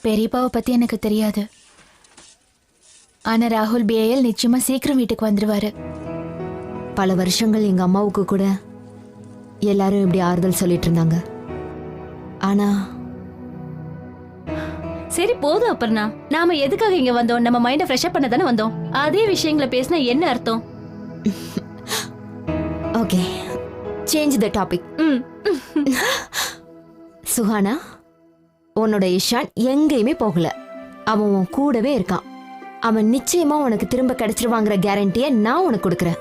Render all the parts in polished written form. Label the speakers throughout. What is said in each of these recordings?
Speaker 1: பெரியப்பாவை பத்தி எனக்கு தெரியாது. ஆனா ராகுல் பிஏஎல் நிச்சயமா சீக்கிரம் வீட்டுக்கு வந்துருவாரு.
Speaker 2: பல வருஷங்கள் எங்க அம்மாவுக்கு கூட எல்லாரும் இப்படி ஆறுதல் சொல்லிட்டு இருந்தாங்க. ஆனா
Speaker 3: சரி போதும் அப்பர்ணா, நாம எதுக்காக இங்க வந்தோம்? நம்ம மைண்ட ஃப்ரெஷ் அப் பண்ண தானே வந்தோம். அதே விஷயங்களை பேசினா என்ன அர்த்தம்?
Speaker 2: Okay, change the topic. Suhana, உன்னோட இஷான் எங்கேயுமே போகல. அவன் உன் கூடவே இருக்கான். அவன் நிச்சயமா உனக்கு திரும்ப கிடைச்சிருவாங்கிற கேரண்டியை நான் உனக்கு கொடுக்கறேன்.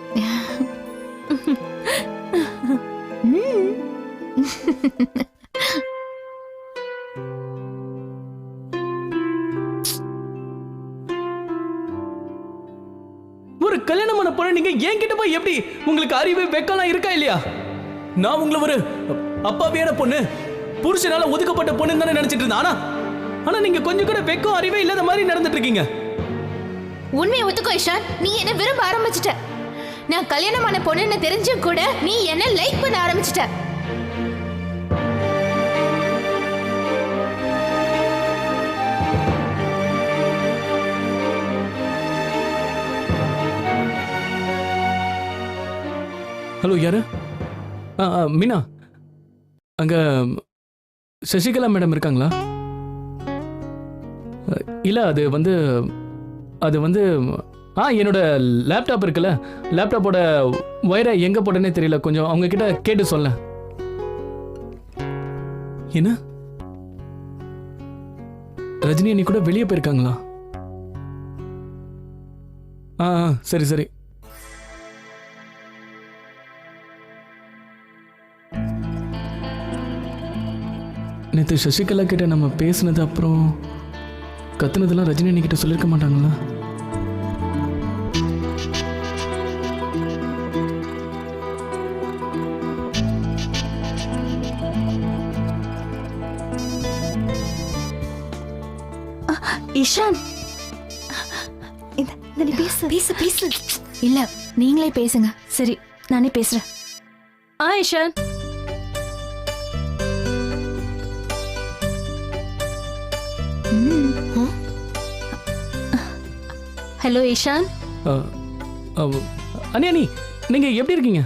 Speaker 4: ஒரு கல்யாணமான பொண்ணு நீங்க என்கிட்ட போய் எப்படி? உங்களுக்கு அறிவு வெக்கலாம் இருக்கா இல்லையா? நான் உங்களை ஒரு அப்பாவியான பொண்ணு, புருஷனால ஒதுக்கப்பட்ட பொண்ணு தானே நினைச்சிட்டு இருந்தேன். ஆனா நீங்க கொஞ்சம் கூட வெக்கம் அறிவே இல்லாத மாதிரி நடந்துட்டு இருக்கீங்க.
Speaker 1: உண்மையை ஒத்துக்கோ இஷான், நீ என்ன விரும்ப ஆரம்பிச்சிட்ட. நான் கல்யாணமான பொண்ணுன்னு தெரிஞ்சும் கூட நீ என்ன லைக் பண்ண ஆரம்பிச்சிட்ட.
Speaker 4: ஹலோ, யாரு? மீனா, அங்க சசிகலா மேடம் இருக்காங்களா? இல்ல, அது வந்து என்னோட லேப்டாப் இருக்குல்ல, லேப்டாப்போட ஒயரை எங்க போட்டேனே தெரியல. கொஞ்சம் அவங்க கிட்ட கேட்டு சொல்ல. என்ன, ரஜினி அண்ணி கூட வெளியே போயிருக்காங்களா? சரி சரி. நேற்று சசிகலா கிட்ட நம்ம பேசினது அப்புறம் கத்துனதெல்லாம் ரஜினி அண்ணி கிட்ட சொல்லியிருக்க மாட்டாங்களா?
Speaker 3: இஷான், பேசு பேசு.
Speaker 1: இல்ல, நீங்களே பேசுங்க.
Speaker 3: சரி, நானே பேசுறேன். இஷான். ஹலோ இஷான்.
Speaker 4: அண்ணி, நீங்க எப்படி இருக்கீங்க?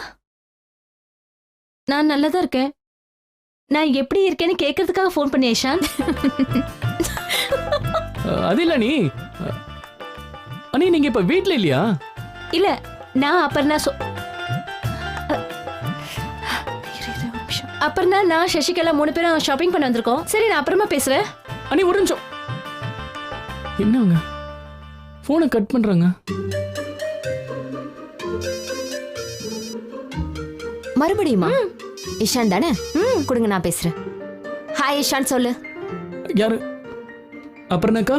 Speaker 3: நான் நல்லா தான் இருக்கேன். நான் எப்படி இருக்கேன்னு கேட்கறதுக்காக ஃபோன் பண்ணேன் இஷான்.
Speaker 4: அது இல்ல அண்ணி, நீங்க இப்ப வீட்ல இல்லையா?
Speaker 3: இல்ல, நான் அப்புறம்னா நான் சசிகலா 3 பேரும் ஷாப்பிங் பண்ண வந்திருக்கோம். சரி, நான் அப்புறமா பேசுறேன்.
Speaker 4: அண்ணி, ஒரு நிமிஷம். என்னங்க போனை கட் பண்றாங்க?
Speaker 2: மறுபடியுமா? இஷான் தானே? கொடுங்க, நான் பேசுறேன். ஹாய் இஷான், சொல்லு.
Speaker 4: யாரு? அப்புறம்னாக்கா,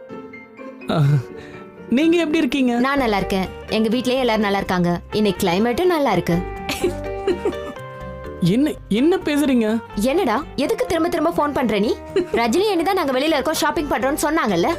Speaker 4: நீங்க எப்படி இருக்கீங்க?
Speaker 2: நான் நல்லா இருக்கேன். எங்க வீட்லயே எல்லாரும் நல்லா இருக்காங்க. இன்னைக்கு கிளைமேட்டும் நல்லா இருக்கு.
Speaker 4: என்ன பேசுறீங்க?
Speaker 2: என்னடா, எதுக்கு திரும்ப திரும்ப போன் பண்ற நீ? ரஜினி என்னதான் நாங்க வெளியில இருக்கோம், ஷாப்பிங் பண்றோம்னு சொன்னாங்கல்ல?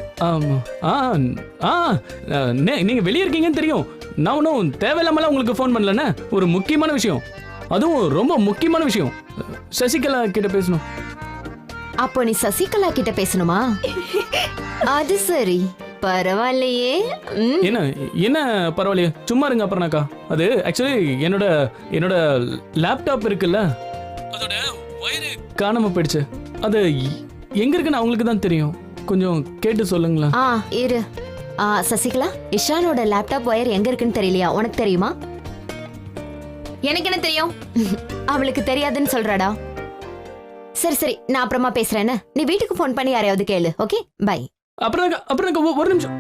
Speaker 4: நீங்க வெளியே இருக்கீங்கன்னு தெரியும். நான் ஒன்றும் தேவையில்லாமலாம் உங்களுக்கு போன் பண்ணலன்னு. ஒரு முக்கியமான விஷயம், அதுவும் ரொம்ப முக்கியமான விஷயம். சசிகலா கிட்ட பேசணும்.
Speaker 2: அப்போ நீ சசிகலா கிட்ட பேசணுமா? அது சரி, பரவாயில்லையே.
Speaker 4: என்ன பரவாயில்லையே, சும்மா இருங்க. அப்புறம்னாக்கா, அது ஆக்சுவலி என்னோட லேப்டாப் இருக்குல்ல, அதோட வயரு காணாம போயிடுச்சு. அது எங்க இருக்குன்னு அவங்களுக்கு தான் தெரியும். கொஞ்சம் கேட்டு சொல்லுங்களா?
Speaker 2: இரு. சசிகலா, இஷானோட லேப்டாப் ஒயர் எங்க இருக்குன்னு தெரியலையா? உனக்கு தெரியுமா?
Speaker 1: எனக்கு என்ன தெரியும்?
Speaker 2: அவளுக்கு தெரியாதுன்னு சொல்றாடா. சரி சரி, நான் அப்புறமா பேசுறேன். நீ வீட்டுக்கு போன் பண்ணி யாரையாவது கேளு. Okay, bye.
Speaker 4: அப்புறம் ஒரு நிமிஷம்.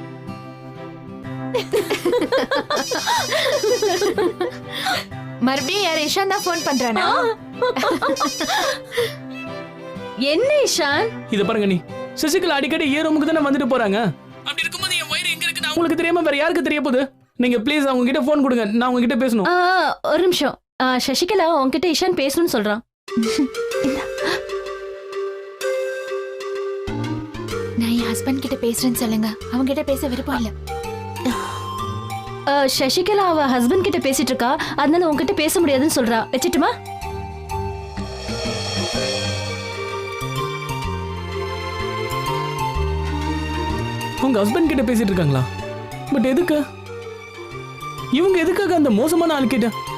Speaker 1: மறுபடியும் யார்? இஷான் தான் போன் பண்றானா?
Speaker 3: என்ன இஷான்?
Speaker 4: இத பாருங்க, நீ சசிகலா அடிக்கடி ரூமுக்கு தானே வந்துட்டு போறாங்க. அப்படி இருக்கும்போது என் வயிறு எங்க இருக்குன்னு அவங்களுக்கு தெரியாம வேற யாருக்கு தெரிய போகுது? நீங்க ப்ளீஸ் அவங்க கிட்ட போன் கொடுங்க, நான் அவங்க கிட்ட பேசணும்.
Speaker 3: ஒரு நிமிஷம். சசிகலா உன்கிட்ட இஷான் பேசணும்னு சொல்றான்.
Speaker 1: நான் என் ஹஸ்பண்ட் கிட்ட பேசுறேன்னு சொல்லுங்க. அவங்க கிட்ட பேச விருப்பம் இல்ல.
Speaker 3: சசிகலா அவ ஹஸ்பண்ட் கிட்ட பேசிட்டு இருக்கா, அதனால உன்கிட்ட பேச முடியாதுன்னு சொல்றா. வச்சிட்டுமா?
Speaker 4: அவங்க ஹஸ்பண்ட் கிட்ட பேசிட்டு இருக்காங்களா? பட் எதுக்கு? இவங்க எதுக்காக அந்த மோசமான ஆள் கிட்ட